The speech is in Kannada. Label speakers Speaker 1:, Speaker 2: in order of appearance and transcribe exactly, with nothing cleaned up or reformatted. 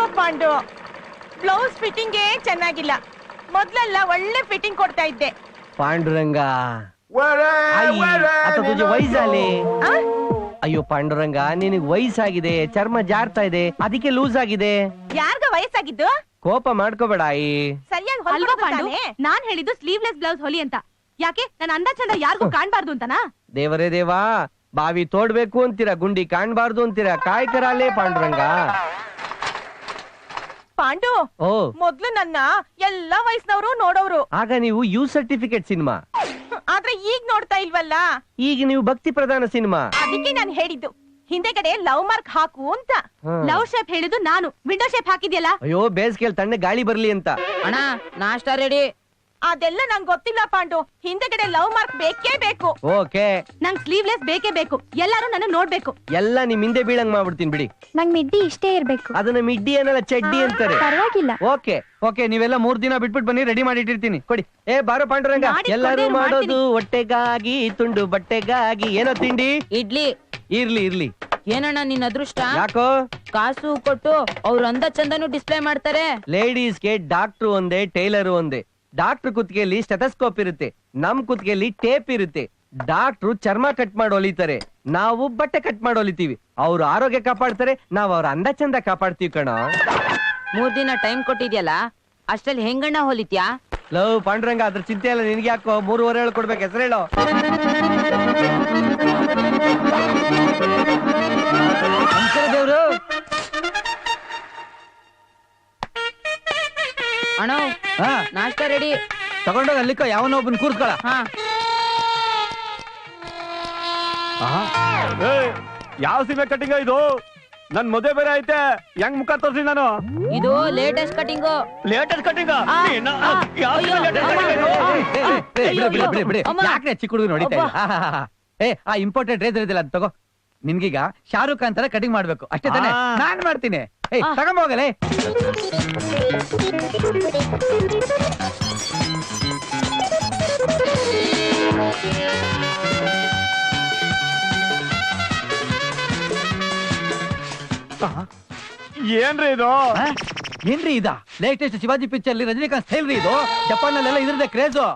Speaker 1: ಪಾಂಡು, ಬ್ಲೌಸ್ ಫಿಟ್ಟಿಂಗೇ ಚೆನ್ನಾಗಿಲ್ಲ. ಮೊದ್ಲೆಲ್ಲ ಒಳ್ಳೆ ಫಿಟ್ಟಿಂಗ್ ಕೊಡ್ತಾ ಇದ್ದೆ.
Speaker 2: ಪಾಂಡುರಂಗ ವಯಸ್ಸಾಲಿ. ಅಯ್ಯೋ ಪಾಂಡುರಂಗ, ನಿನಗ್ ವಯಸ್ಸಾಗಿದೆ, ಚರ್ಮ ಜಾರ್ತಾ ಇದೆ, ಅದಕ್ಕೆ ಲೂಸ್ ಆಗಿದೆ.
Speaker 1: ಯಾರ್ಗ ವಯಸ್ಸಾಗಿದ್ದು?
Speaker 2: ಕೋಪ ಮಾಡ್ಕೋಬೇಡ ಆಯಿ.
Speaker 1: ಸರಿಯಾಗಿ
Speaker 3: ಅಲ್ವಾ ಪಾಂಡು, ನಾನ್ ಹೇಳಿದ್ದು ಸ್ಲೀವ್ಲೆಸ್ ಬ್ಲೌಸ್ ಹೊಲಿ ಅಂತ. ಯಾಕೆ ನನ್ನ ಅಂದ ಚಂದ ಯಾರಿಗೂ ಕಾಣ್ಬಾರ್ದು ಅಂತನಾ?
Speaker 2: ದೇವರೇ ದೇವಾ, ಬಾವಿ ತೋಡ್ಬೇಕು ಅಂತೀರಾ, ಗುಂಡಿ ಕಾಣ್ಬಾರ್ದು ಅಂತೀರಾ, ಕಾಯ್ಕರಾಲೇ ಪಾಂಡುರಂಗ.
Speaker 1: ಪಾಂಡು,
Speaker 2: ಓ
Speaker 1: ಮೊದ್ಲು ನನ್ನ ಎಲ್ಲಾ ವಯಸ್ಸಿನವರು ನೋಡೋರು.
Speaker 2: ಆಗ ನೀವು ಯು ಸರ್ಟಿಫಿಕೇಟ್ ಸಿನಿಮಾ,
Speaker 1: ಆದ್ರೆ ಈಗ ನೋಡ್ತಾ ಇಲ್ವಲ್ಲ.
Speaker 2: ಈಗ ನೀವು ಭಕ್ತಿ ಪ್ರಧಾನ ಸಿನಿಮಾ.
Speaker 1: ಅದಕ್ಕೆ ನಾನು ಹೇಳಿದ್ದು ಹಿಂದೆಗಡೆ ಲವ್ ಮಾರ್ಕ್ ಹಾಕು ಅಂತ.
Speaker 3: ಲವ್ ಶೇಪ್ ಹೇಳಿದ್ದು ನಾನು, ವಿಂಡೋ ಶೇಪ್ ಹಾಕಿದ್ಯಲ್ಲ.
Speaker 2: ಅಯ್ಯೋ ಬೇಸ್ಗೆಲ್ ತಣ್ಣೆ ಗಾಳಿ ಬರ್ಲಿ ಅಂತ.
Speaker 4: ಅಣ್ಣ ನಾಷ್ಟಾ ರೆಡಿ.
Speaker 1: ಅದೆಲ್ಲ ನಂಗೆ ಗೊತ್ತಿಲ್ಲ ಪಾಂಡು, ಹಿಂದೆಗಡೆ ಲವ್ ಮಾರ್ಕ್ ಬೇಕೇ ಬೇಕು.
Speaker 2: ಓಕೆ,
Speaker 3: ನಂಗ್ ಸ್ಲೀವ್ಲೆಸ್ ಬೇಕೇ ಬೇಕು. ಎಲ್ಲಾರು ನನ್ನ ನೋಡ್ಬೇಕು.
Speaker 2: ಎಲ್ಲ ನಿಮ್ ಹಿಂದೆ ಬೀಳಂಗ್ ಮಾಡ್ಬಿಡ್ತೀನಿ ಬಿಡಿ.
Speaker 5: ನಂಗ್ ಮಿಡ್ಡಿ ಇಷ್ಟೇ ಇರ್ಬೇಕು.
Speaker 2: ಅದನ್ನ ಮಿಡ್ಡಿ ಏನಲ್ಲ ಚಡ್ಡಿ ಅಂತಾರೆ.
Speaker 5: ಪರವಾಗಿಲ್ಲ.
Speaker 2: ಓಕೆ ಓಕೆ, ನೀವೆಲ್ಲ ಮೂರ್ ದಿನ ಬಿಟ್ಬಿಟ್ಟು ಬನ್ನಿ, ರೆಡಿ ಮಾಡಿ ಇಟ್ಟಿರ್ತೀನಿ. ಕೊಡಿ. ಏ ಬಾರೋ ಪಾಂಡುರಂಗ, ಎಲ್ಲರೂ ಮಾಡೋದು ಹೊಟ್ಟೆಗಾಗಿ, ತುಂಡು ಬಟ್ಟೆಗಾಗಿ. ಏನೋ ತಿಂಡಿ?
Speaker 4: ಇಡ್ಲಿ.
Speaker 2: ಇರ್ಲಿ ಇರ್ಲಿ.
Speaker 4: ಏನಣ್ಣ ನಿನ್ ಅದೃಷ್ಟ,
Speaker 2: ಯಾಕೋ
Speaker 4: ಕಾಸು ಕೊಟ್ಟು ಅವ್ರ ಅಂದ ಚಂದನು ಡಿಸ್ಪ್ಲೇ ಮಾಡ್ತಾರೆ.
Speaker 2: ಲೇಡೀಸ್ಗೆ ಡಾಕ್ಟ್ರು ಒಂದೇ, ಟೈಲರ್ ಒಂದೇ. ಡಾಕ್ಟರ್ ಕುತ್ತಿಗೆಯಲ್ಲಿ ಸ್ಟೆಥೋಸ್ಕೋಪ್ ಇರುತ್ತೆ, ನಮ್ ಕುತ್ತಿಗೆಯಲ್ಲಿ ಟೇಪ್ ಇರುತ್ತೆ. ಡಾಕ್ಟ್ರು ಚರ್ಮ ಕಟ್ ಮಾಡಿ ಹೊಲಿತಾರೆ, ನಾವು ಬಟ್ಟೆ ಕಟ್ ಮಾಡಿ ಹೊಲಿತೀವಿ. ಅವ್ರು ಆರೋಗ್ಯ ಕಾಪಾಡ್ತಾರೆ, ನಾವ್ ಅವ್ರ ಅಂದ ಚಂದ ಕಾಪಾಡ್ತೀವಿ ಕಣ.
Speaker 4: ಮೂರ್ ದಿನ ಟೈಮ್ ಕೊಟ್ಟಿದ್ಯಲ್ಲ, ಅಷ್ಟ್ರಲ್ಲಿ ಹೆಂಗಣ್ಣ ಹೊಲಿತ್ಯಾ?
Speaker 2: ಲವ್ ಪಾಂಡುರಂಗ, ಅದ್ರ ಚಿಂತೆ ಎಲ್ಲ ನಿನ್ಗೆ ಯಾಕೋ. ಮೂರುವರೆ ಹೇಳಿ ಕೊಡ್ಬೇಕು, ಹೆಸರು ಹೇಳೋ. ದೇವ್ರು
Speaker 4: ಅಣ್ಣ ನಾಷ್ಟಾ ರೆಡಿ.
Speaker 2: ತಗೊಂಡೋಗ ಅಲ್ಲಿಕ್ಕ ಯಾವನೋ ಒಬ್ಬನ್ ಕೂರ್ಸ್ಕೊಳ.
Speaker 6: ಯಾವ ಸಿಮೆ ಕಟಿಂಗ್ ಇದು? ನನ್ ಮದುವೆ ಬೇರೆ ಐತೆ, ಹೆಂಗ್ ಮುಖ ತೋರ್ಸಿ ನಾನು?
Speaker 4: ಇದು ಲೇಟೆಸ್ಟ್ ಕಟಿಂಗು.
Speaker 6: Latest cutting?
Speaker 2: ಯಾಕೆ ಚಿಕ್ಕ ಹುಡುಗ ನೋಡಿತಾ ಏ ಆ ಇಂಪಾರ್ಟೆಂಟ್ ರೇಜರ್ ಇದಿಲ್ಲ ಅದು ತಗೋ. ನಿನ್ಗೀಗ ಶಾರುಖ್ ಖಾನ್ ತರ ಕಟಿಂಗ್ ಮಾಡ್ಬೇಕು ಅಷ್ಟೇ ತಾನೆ? ನಾನ್ ಮಾಡ್ತೀನಿ. ಏಯ್ ತಗೊಂಬೋಗಲೇ.
Speaker 6: ಏನ್ರಿ ಇದು?
Speaker 2: ಏನ್ರಿ ಇದ latest Shivaji picture Rajinikanth style ರೀ ಇದು. ಜಪಾನ್ ಅಲ್ಲೆಲ್ಲ ಇದ್ರದೇ ಕ್ರೇಜು.